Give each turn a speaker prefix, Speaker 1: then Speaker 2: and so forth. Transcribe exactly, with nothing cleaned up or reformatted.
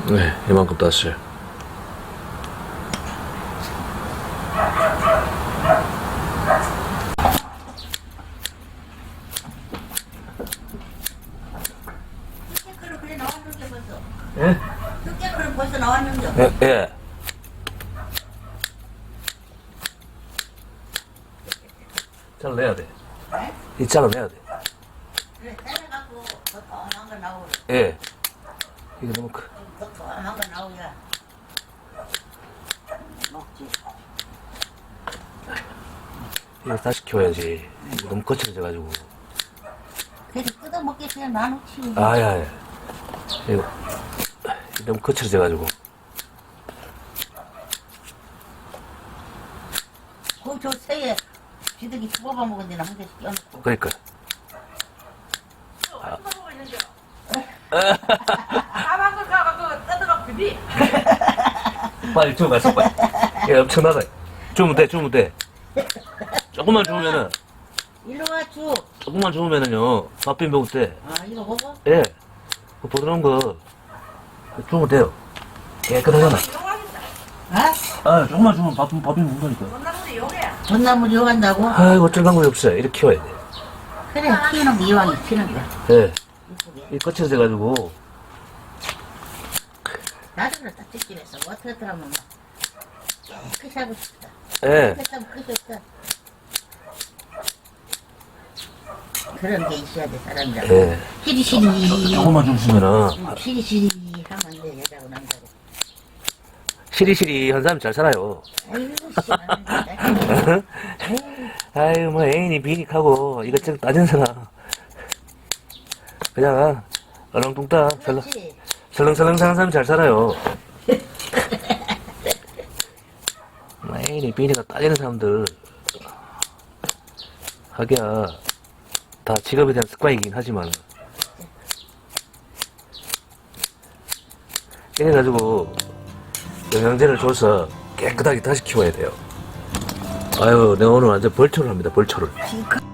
Speaker 1: 네, 이만큼 땄어요.
Speaker 2: 두께크를 그래 나왔는데 벌써.
Speaker 1: 예?
Speaker 2: 두께크는 벌써 나왔는데.
Speaker 1: 예, 예. 잘라내야 돼.
Speaker 2: 네?
Speaker 1: 이 잘라내야 돼.
Speaker 2: 그래 잘라갖고 더 ጦ망한 거 나오고.
Speaker 1: 예. 이게 너무 크.
Speaker 2: 더 ጦ망한 거 나오야. 먹지.
Speaker 1: 이거 다시 키워야지. 이거 너무 거칠어져가지고.
Speaker 2: 그래도 뜯어 먹게 그냥 놔놓지.
Speaker 1: 아야, 야. 이거 너무 거칠어져가지고.
Speaker 2: 그저 새에 비둘기 죽어봐 먹은 데는 한 개씩 껴놓고.
Speaker 1: 그러니까.
Speaker 3: 뜯어보고 있는데. 까만 걸 가가 그 뜯어가 비비.
Speaker 1: 빨리 좀 가서 빨리. 야, 엄청나다. 주면 돼, 주면 돼. 조금만 주면은,
Speaker 2: 일로 와 주.
Speaker 1: 조금만 주면은요, 밥 비벼 먹을 때,
Speaker 2: 아 이거 먹어?
Speaker 1: 예. 그 부드러운 거, 주면 돼요. 깨끗하잖아.
Speaker 3: 이용하겠다.
Speaker 2: 아?
Speaker 1: 아, 조금만 주면 밥, 밥 비벼 먹으니까.
Speaker 3: 건나무도 이용해.
Speaker 2: 전나무 이용한다고?
Speaker 1: 아이고, 어쩔 방법이 없어요. 이렇게 키워야 돼.
Speaker 2: 그래 키우는 게 이왕이 키우는 거야.
Speaker 1: 예.
Speaker 2: 이쁘게.
Speaker 1: 이 거칠어져가지고,
Speaker 2: 나도 그렇다 집집에서 뭐 어떻게 하면 막 깨끗이 하고 싶다.
Speaker 1: 예.
Speaker 2: 깨끗이 하면 끝이 없다. 그 그런 게 있어야 돼 사람들.
Speaker 1: 예.
Speaker 2: 시리시리.
Speaker 1: 조금만 주시면은,
Speaker 2: 응, 시리시리 하면 안 돼 여자고 남자고.
Speaker 1: 시리시리 한 사람이 잘 살아요.
Speaker 2: 아이고 씨.
Speaker 1: 아유, 뭐, 애인이 비닉하고, 이것저것 따지는 사람. 그냥, 얼렁뚱땅, 설렁,
Speaker 2: 그렇지.
Speaker 1: 설렁설렁 사는 사람이 잘 살아요. 뭐 애인이 비닉가 따지는 사람들, 하기야, 다 직업에 대한 습관이긴 하지만, 이래가지고, 영양제를 줘서 깨끗하게 다시 키워야 돼요. 아유, 내가 오늘 완전 벌초를 합니다, 벌초를.
Speaker 2: 지금